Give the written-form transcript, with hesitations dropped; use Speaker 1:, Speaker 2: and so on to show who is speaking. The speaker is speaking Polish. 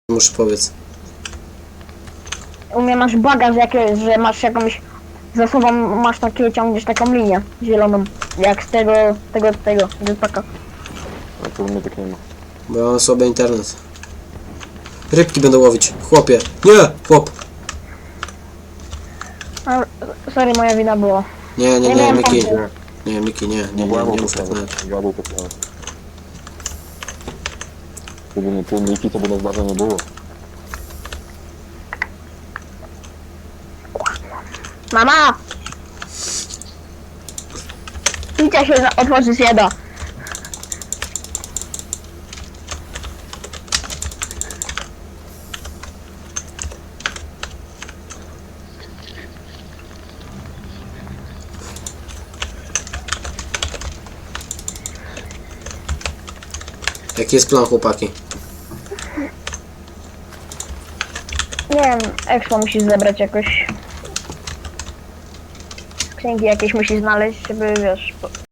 Speaker 1: Muszę powiedz.
Speaker 2: U mnie masz bagaż jakieś, że masz jakąś... Za sobą masz takie, ciągniesz taką linię zieloną. Jak z tego jetpacka.
Speaker 3: A to u mnie tak nie ma.
Speaker 1: Bo ja mam sobie internet. Rybki będę łowić. Chłopie. Nie! Chłop.
Speaker 2: A, sorry, moja wina była.
Speaker 1: Nie,
Speaker 2: Nie miałem
Speaker 1: Miki.
Speaker 2: pomysłu.
Speaker 1: Nie, Miki, nie mów tak nawet.
Speaker 3: Gadał to samo. Gdyby nie pół Miki, to by nas dawno nie było.
Speaker 2: Mama! Picia się otworzyć nie da.
Speaker 1: Jaki jest plan, chłopaki?
Speaker 2: Nie wiem, expo musisz zebrać jakoś. Skrzynki jakieś musisz znaleźć, żeby wiesz...